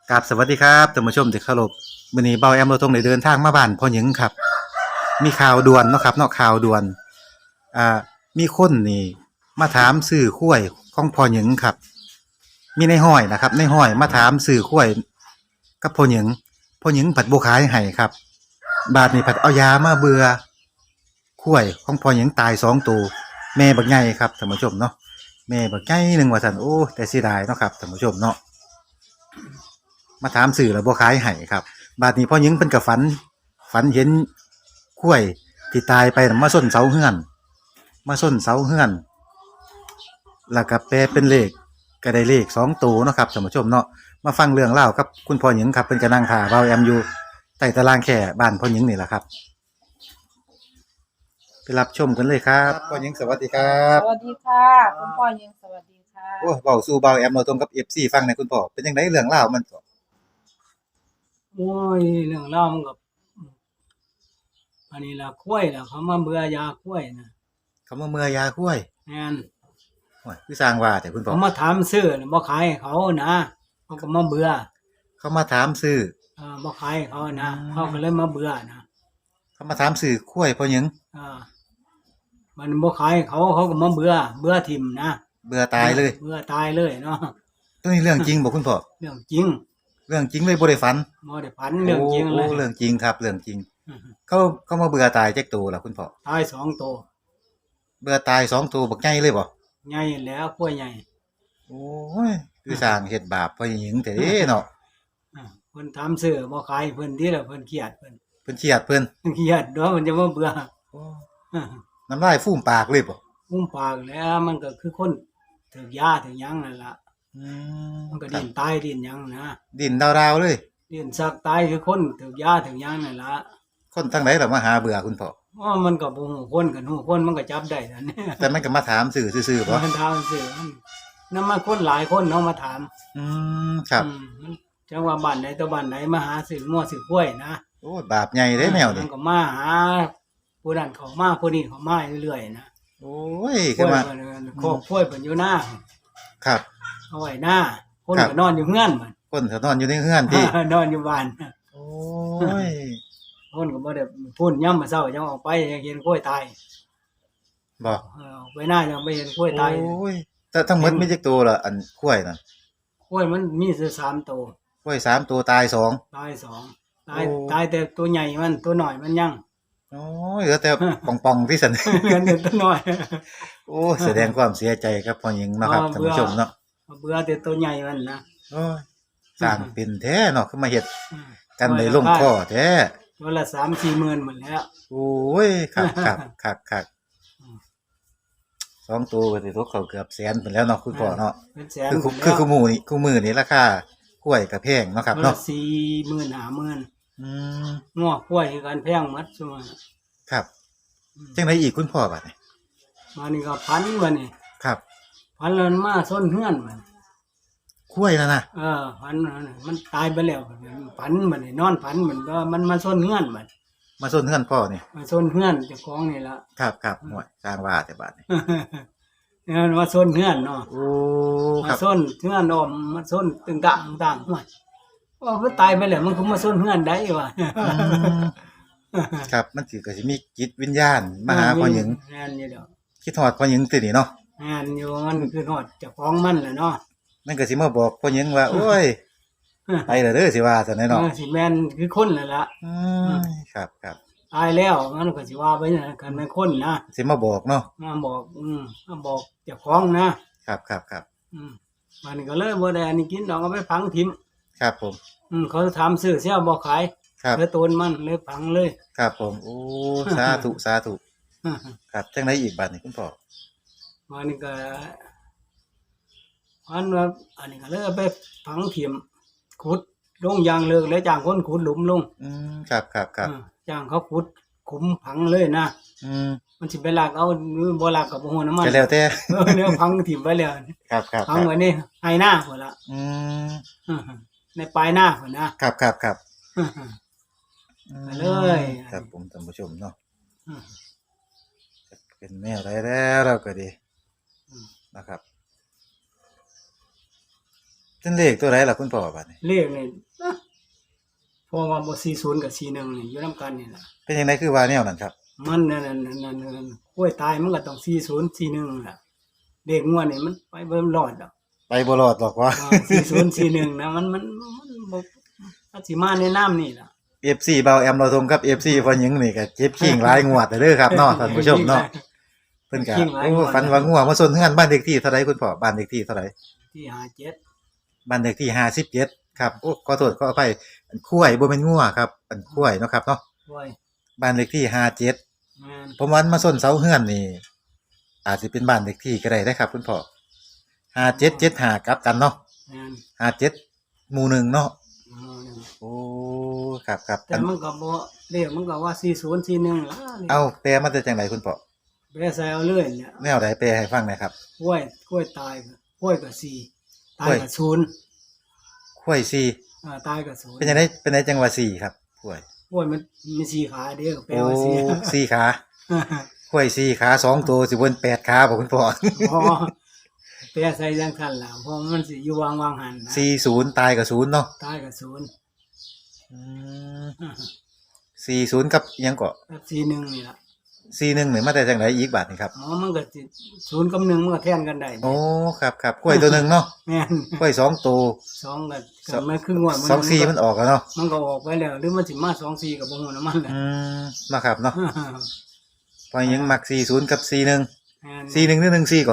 กับสวัสดีครับท่านผู้ชมที่เคารพมื้อนี้เบาแอมเราทงได้เดินทางมาบ้านพ่อหญิงครับมีข่าวด่วนเนาะครับเนาะข่าวด่วนอ่ามีคนนี่มาถามซื้อข้วยของพ่อหญิงครับมีในห้อยนะครับในห้อยมาถามซื้อข้วยกับพ่อหญิงผัดบ่ขายให้ครับบาดนี้ผัดเอายามาเบื่อข้วยของพ่อหญิงตาย2 ตัวแม่บักใหญ่ครับท่านผู้ชมเนาะแม่บักใหญ่หนึงว่าซั่นโอ้แต่เสียดายเนาะครับท่านผู้ชมเนาะ มาถามสื่อแล้วบ่ขายให้ครับบาดนี้พ่อหญิงเพิ่นก็ฝันเห็นกล้วยที่ตายไปน่ะมาส้นเสาเฮือนมาส้นเสาเฮือนแล้วก็แปลเป็นเลขก็ได้เลข2 ตัวเนาะครับท่านผู้ชมเนาะมาฟังเรื่องเล่าวกับคุณพ่อหญิงครับเพิ่นก็นั่งท่าเว้าแอมอยู่ใต้ตารางแค่บ้านพ่อหญิงนี่แหละครับไปรับชมกันเลยครับพ่อหญิงสวัสดีครัสบวัสดีค่ะคุณพ่อยังสวัสดีค่ะโอ้เว้าสู่เบาแอมเราตรงกับ FC ฟังหน่อยคุณพ่อเป็นจังไดเรื่องราวมันก็โอ้ยเรื่องราวมันก็อันนี้ล่ะกล้วยล่ะเขามาเบื่อยากล้วยนะเขามาเมื่อยาคุ้ยแม่นโอ้ยคือสร้างว่าแต่คุณพ่อเขามาถามซื้อน่ะบ่ขายให้เขานะเขาก็มาเบื่อเขามาถามซื้อบ่ขายให้เขานะเขาก็เลยมาเบื่อนะเขามาถามซื้อกล้วยพ่อหยังอ่ามันบ่ขายให้เขาเขาก็มาเบื่อทิ่มนะเบื่อตายเลยเบื่อตายเลยเนาะตัวนี้เรื่องจริงบ่คุณพ่อเรื่องจริงเรื่องจริงเลยบ่ได้ฝันบ่ได้ฝันเรื่องจริงเลยโอ้เรื่องจริงครับเรื่องจริงเขาเขามาเบื่อตายจักตัวล่ะคุณพ่อตาย2ตัวเบื่อตาย2 ตัวบักใหญ่เลยบ่ใหญ่แล้วกล้วยใหญ่โอ้ยคือสร้างเฮ็ดบาปพ่อหญิงแต่เด้เนาะเพิ่นถามซื้อบ่ขายเพิ่นที่ละเพิ่นเครียดเพิ่นเพิ่นเครียดเพิ่นเครียดเนาะมันจะมาเบื่อโอ้น้ำลายฟูมปากเลยบ่มุมปากแล้วมันก็คือคนถึกยาถึกหยังนั่นล่ะอืมมันก็ดิ้นตายดิ้นหยังนะดิ้นดาวๆเลยดิ้นสักตายคือคนถึกยาถึกหยังนั่นล่ะคนทางไหนล่ะมาหาเบื่อคุณพ่อมันก็บ่ฮู้คนกันฮู้คนมันก็จับได้นั่นแต่มันก็มาถามซื่อซื่อๆบ่มันถามซื่อมันนำมาคนหลายคนเนาะมาถามอืมครับมันจังว่าบ้านใดต่อบ้านใดมาหาซื้อมั่วซื้อกล้วยนะโอ้บาปใหญ่เด้แนวมันี้นก็มาหาผู้นั้นเข้ามาผู้นี้เข้ามาเรื่อยๆนะโอ้ยคือว่าโคกกล้วยเพิ่นอยู่หน้าครับเอาไว้หน้าคนก็นอนอยู่เฮือนมันคนเขานอนอยู่ในเฮือนพี่นอนอยู่บ้านโอ้ยคนก็บ่ได้พูดย่ำมื้อเช้าจังออกไปยังเห็นกล้วยตายบ่ไปหน้ายังไม่เห็นกล้วยตายโอ้ยแต่ทั้งหมดมีจักตัวล่ะอันกล้วยน่ะกล้วยมันมีซื่อ3ตัวกล้วย3 ตัวตาย2 ตาย2ตายแต่ตัวใหญ่มันตัวน้อยมันยังโอ้ยเหลือแต่ป่องๆที่ซั่นเหลือแต่ตัวน้อยโอ้แสดงความเสียใจกับพ่อหญิงเนาะครับท่านผู้ชมเนาะเบื่อแต่ตัวใหญ่มันนะโอ้ยสร้างเป็นแท้เนาะคือมาเฮ็ดกันได้ลงคอแท้ตัวละ 3-4 หมื่นหมดแล้วโอ้ยคักๆ2 ตัวก็สิตกเข้าเกือบแสนพุ่นแล้วเนาะคุณพ่อเนาะคือคู่มื้อนี้ราคากล้วยก็แพงเนาะครับเนาะ 40,000 50,000งัวกล้วยคือกันแพงหมดซุมื้อครับจังไดอีกคุณพ่อบัดนี้มานี่ก็พันบัดนี้ครับพันแล้วมาส้นเฮือนมันกล้วยนั่นน่ะพันมันตายไปแล้วพันมันนอนพันมันก็มันมาส้นเฮือนมันมาส้นเฮือนพ่อนี่มาส้นเฮือนเจ้าของนี่ล่ะครับๆโอ้ยสร้างว่าแต่บัดนี้มาส้นเฮือนเนาะโอ้มาส้นเฮือนอ้อมมาส้นตึงต่างๆโอ้ยว่ามันตายไปแล้วมันก็มาส้นเฮือนได้วะครับมันสิก็สิมีจิตวิญญาณมาหาพ่อหญิงแม่นอยู่ดอกคิดฮอดพ่อหญิงตินี่เนาะแม่นอยู่มันคือฮอดเจ้าของมันแหละเนาะมันก็สิมาบอกพ่อหญิงว่าโอ้ยไปแล้วเด้อสิว่าซั่นแหละเนาะสิแม่นคือคนนั่นล่ะครับตายแล้วมันก็สิว่าไปนั่นคันแม่นคนนะสิมาบอกเนาะมาบอกมาบอกเจ้าของครับมันก็เลยบ่ได้อันนี้กินดอกเอาไปฝังทิ่มครับผมเขาถามซื้อเสียบ่ขายเลยตูนมันเลยฝังเลยครับผมโอ้สาธุครับจังไดอีกบัดนี้คุณพ่อมันก็อันว่าอันนี้ก็เลยเอาไปฝังทิ่มขุดลงยางเลิกแล้วจ้างคนขุดหลุมลงครับจ้างเขาขุดขุมฝังเลยนะมันสิไปลากเอาบ่ลากก็บ่ฮู้นำมันก็แล้วแต่เนี่ยฝังทิ่มไว้แล้วครับฝังไว้นี่ให้หน้าพุ่นล่ะในปลายหน้าพุ่นนะครับเลยครับผมท่านผู้ชมเนาะเป็นแนวใดแล้วเราก็ดีนะครับเป็นเลขตัวไหนล่ะคุณพ่อบัดนี้เลขนี่นะเพราะว่าบ่40กับ41นี่อยู่นํกันนี่ล่ะเป็นจังไดคือว่าแนวนั้นครับมันนั่นกล้วยตายมันก็ต้อง40 41ล่ะเลขงวดนี่มันไปบ่รอดดอกไปบ่รอดหรอกว่า 4041นะมันบ่อาจสิมาในน้ำนี่ล่ะ FC เบาแอมเราทงกับ FC พ่อหญิงนี่ก็เจ็บขิงหลายงวดเด้อครับเนาะท่านผู้ชมเนาะเพิ่นก็โอ้ฝันว่างัวมาซนเฮือนบ้านเลขที่เท่าใดคุณพ่อบ้านเลขที่เท่าใดที่57 บ้านเลขที่57ครับโอ้ขอโทษขออภัยอันคุ้ยบ่แม่นงัวครับอันคุ้ยเนาะครับเนาะกล้วยบ้านเลขที่57 แม่นผมว่ามาส้นเสาเฮือนนี่อาจสิเป็นบ้านเลขที่ก็ได้นะครับคุณพ่อ5775กลับกันเนาะแม่น 57หมู่หนึ่งเนาะเอานั่นโอ้ครับครับแต่มันก็บ่เลขมันก็ว่า4041ล่ะเอาแปลมาแต่จังไดคุณพ่อแปรใส่เอาเลยเนี่ยแนวใดแปลให้ฟังหน่อยครับกล้วยตายก็กล้วยก็4ตายก็0 คุ้ย4 ตายก็0 เป็นจังไดเป็นไดจังว่า4ครับคุ้ยกล้วยมันมี4ขาเด้อก็แปลโอ้ว่า4 4ขาคุ้ย4ขา2ตัวสิบน8ขาบ่คุณพ่อพอแปรใส่จังซั่นล่ะเพราะมันสิอยู่วางหันนะ 40ตายกับ0เนาะตายก็0 อืม40กับอิหยังก็กับ41นี่ล่ะ 41นี่มาแต่จังไดอีกบาดนี่ครับมันก็สิ0กับ1มันก็แทนกันได้โอ้ครับครับกล้วยตัวหนึงเนาะแม่นกล้วย2ตัว 2ก็มันคืองวด 24มันออกแล้วเนาะมันก็ออกไปแล้วหรือมันสิมา24ก็บ่ฮู้นำมันแหละอืมเนาะครับเนาะพอยังมัก40กับ41 แม่น 41หรือ14ก่อน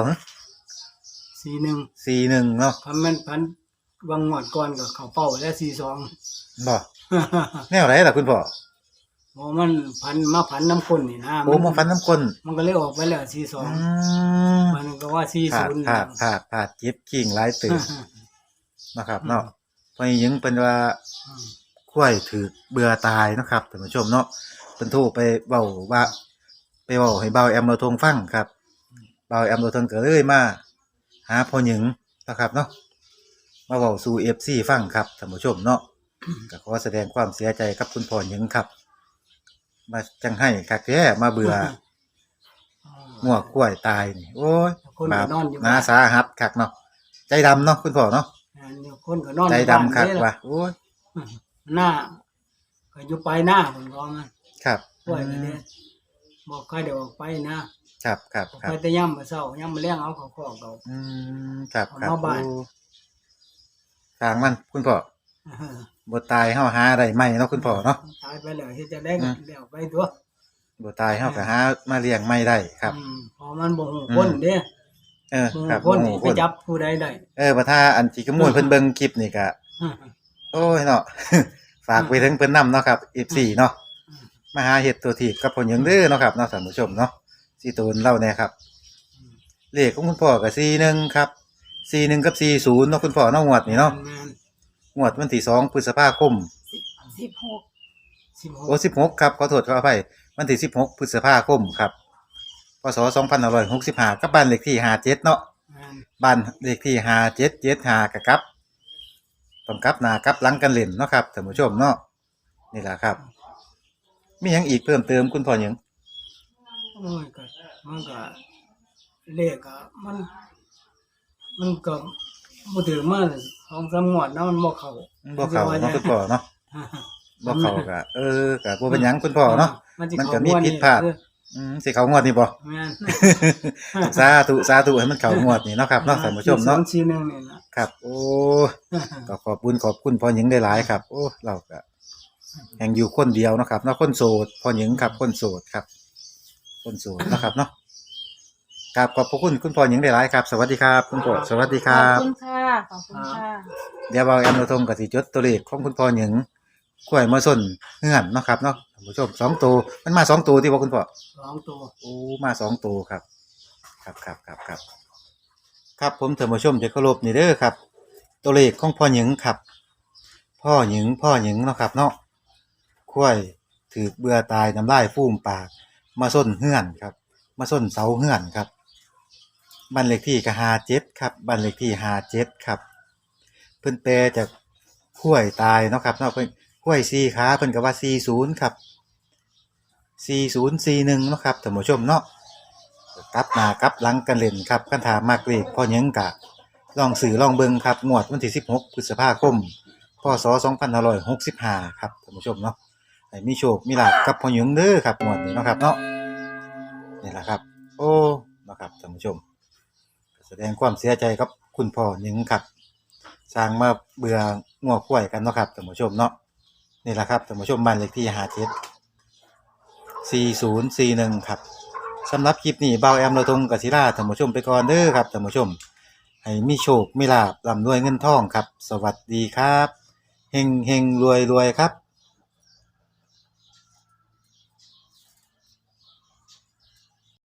41 41เนาะคันมันพันวางงวดก่อนก็เข้าเป้าแล้ว42 บ่แนวไหนล่ะคุณพ่อเพราะมันพันน้ำข้นนี่นะโอ้มาฟันน้ำก้นมันก็เลยออกไปแล้วอื 42 มมันก็ว่าผาดเจ็บขิงหลายตื่นเนาะครับเนาะพอยังเป็นว่าข้วยถือเบื่อตายเนาะครับท่านผู้ชมเนาะเพิ่นโทรไปเว้าว่าไปเว้าให้เบาแอมเราทงฟังครับเบาแอมเราทงก็เลยมาหาพ่อหญิงเนาะครับเนาะมาเว้าสู่ FC ฟังครับท่านผู้ชมเนาะก็ขอแสดงความเสียใจกับคุณพ่อหญิงครับ มาจังให้คักแท้มาเบื่องัวกล้วยตายนี่โอ้ยคนบาก็ปนอนอยู่นาสาหัสคักเนาะใจดำเนาะคุณพ่อเนาะคนก็นอนใจอยู่ดำบ้านคักเด้ว่ะโอ้ยหน้าก็อยู่ไปหน้าเพิ่นก็มันครับป่วยก็เด้บอกใครเดี๋ยวออกไปนะครับครับออกครัไปบแต่ย่ำมื้อเช้าย่ำมื้อแลงเอาเข้าคอกเอาอืมครับครับเอามาบ้านโอ้ทางมันคุณพ่อเออบ่ตายเฮาหาได้ไหมเนาะคุณพ่อเนาะตายไปแล้วเฮ็ดจะได้ก็แล้วไปตัวบ่ตายเฮาก็หามาเลี้ยงไม่ได้ครับพอมันบ่ฮู้คนเด้เออบ่ครับฮู้คนโอ้นี่โหไปจับผู้ใดได้บ่ถ้าอันที่ขโมยเพิ่นเบิ่งคลิปนี่ก็โอ้ยเนาะ ฝากไปถึงเพิ่นนำเนาะครับ F4 เนาะมาหาเฮ็ดตัวถีบกับพ่อหยังเด้อเนาะครับเนาะท่านผู้ชมเนาะสิโตนเล่าแน่ครับ เลขของคุณพ่อก็41ครับ41กับ40เนาะคุณพ่อเนาะงวดนี่เนาะแม่นงวดวันที่2พฤษภาคม 16 โอ้16ครับขอโทษขออภัยวันที่16พฤษภาคมครับพศ2565กับบ้านเลขที่57เนาะแม่นบ้านเลขที่5775กะครับต้องกลับหน้ากลับหลังกันเล่นเนาะครับท่านผู้ชมเนาะนี่ล่ะครับ มีหยังอีกเพิ่มเติมคุณพ่อหยังโอ้ยก็มันก็เลขก็มันก็บ่ถือมา2-3งวดเนาะมันบ่เข้าบ่เข้าเนาะคุณพ่อเนาะบ่เข้าก็ก็บ่เป็นหยังคุณพ่อเนาะ มันก็มีผิดพลาด สิเข้างวดนี่บ่แม่นสาธุให้มันเข้างวดนี่เนาะครับเนาะท่านผู้ชมเนาะ 41นี่ล่ะครับโอ้ก็ขอบคุณพ่อหญิงได้หลายครับ โอ้เราก็แห่งอยู่คนเดียวเนาะครับเนาะคนโสดพ่อหญิงครับคนโสดครับ คนโสดเนาะครับเนาะครับขอบพระคุณคุณพ่อหญิงได้หลายครับ สวัสดีครับคุณพ่อสวัสดีคขรัอบบ คุณค่ะขอบคุณค่ะเดี๋ยวเราแอมเราทงกับสิจดตัวเลขของคุณพ่อหญิงกล้วยมาส้นเฮือนเนาะครับเนาะท่านผู้ชม2ตัวมันมา2ตัวที่บ่คุณพ่อ 2ตัวโอ้มา2ตัวครับครับผมท่านผู้ชมที่เคารพนี่เด้อครับ ตัวเลขของพ่อหญิงครับ พ่อหญิงเนาะครับเนาะกล้วยถือเบื่อตายน้ำลายฟูมปาก มาส้นเฮือนครับ มาส้นเสาเฮือนครับบ้านเลขที่ก็57ครับบ้านเลขที่57ครับเพิ่นแปลจากกล้วยตายเนาะครับเนาะเพิ่นกล้วย4ขาเพิ่นก็ว่า40ครับ4041เนาะครับท่านผู้ชมเนาะกลับหน้ากลับหลังกันเล่นครับคันถามมากเลขพ่อหยังกะลองสื่อลองเบิ่งครับงวดวันที่16พฤษภาคมพศ2565ครับท่านผู้ชมเนาะให้มีโชคมีลาภกับพ่อหญิงเด้อครับงวดนี้เนาะครับเนาะนี่ล่ะครับโอ้เนาะครับท่านผู้ชมแสดงความเสียใจกับคุณพ่อหญิงครับสร้างมาเบื่องัวควายกันเนาะครับท่านผู้ชมเนาะนี่ล่ะครับท่านผู้ชมบ้านเลขที่574041ครับสำหรับคลิปนี้เบาแอมเราตรงกับศิลาท่านผู้ชมไปก่อนเด้อครับท่านผู้ชมให้มีโชคมีลาภร่ำรวยเงินทองครับสวัสดีครับเฮงเฮงรวยรวยครับ